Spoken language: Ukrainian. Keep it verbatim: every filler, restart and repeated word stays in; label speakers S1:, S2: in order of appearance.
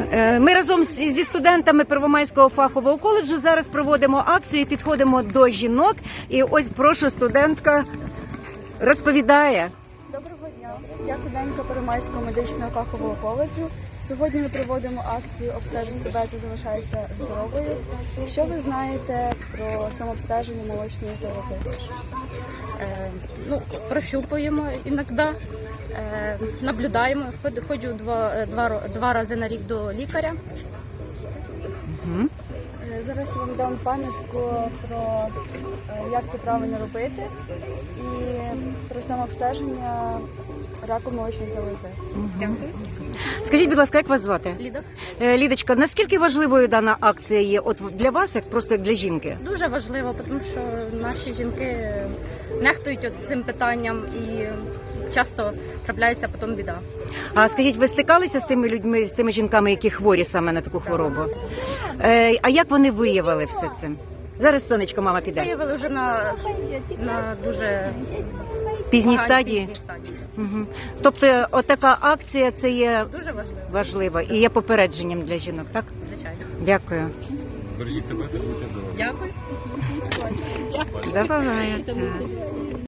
S1: Е, Ми разом з- зі студентами Первомайського фахового коледжу зараз проводимо акцію, підходимо до жінок. І ось, прошу, студентка розповідає.
S2: Доброго дня. Я студентка Первомайського медичного фахового коледжу. Сьогодні ми проводимо акцію «Обстежуй себе та залишайся здоровою». Що ви знаєте про самообстеження молочної залози?
S3: Е, ну, прощупуємо іноді, е, наблюдаємо. Ход- Ходжу два, два, ро- два рази на рік до лікаря.
S1: Мгм.
S2: Е, Зараз я вам дам пам'ятку про е, як це правильно робити і про самообстеження раку молочної залози.
S3: Дякую.
S1: Скажіть, будь ласка, як вас звати?
S3: Ліда.
S1: Е, Лідочка, наскільки важливою дана акція є от для вас, як просто як для жінки?
S3: Дуже важливо, тому що наші жінки нехтують от цим питанням і часто трапляється потім біда.
S1: А скажіть, ви стикалися з тими людьми, з тими жінками, які хворі саме на таку хворобу? Е, а як вони виявили все це? Зараз, сонечко, мама піде.
S3: Виявили вже на, на дуже
S1: Пізній
S3: поганій
S1: стадії?
S3: пізній стадії.
S1: Угу. Тобто, отака акція це є
S3: Дуже важливо,
S1: важлива і є попередженням для жінок, так?
S3: звичайно.
S1: Дякую.
S4: Бережіть себе та будьте здорові.
S3: Дякую.
S1: Давай.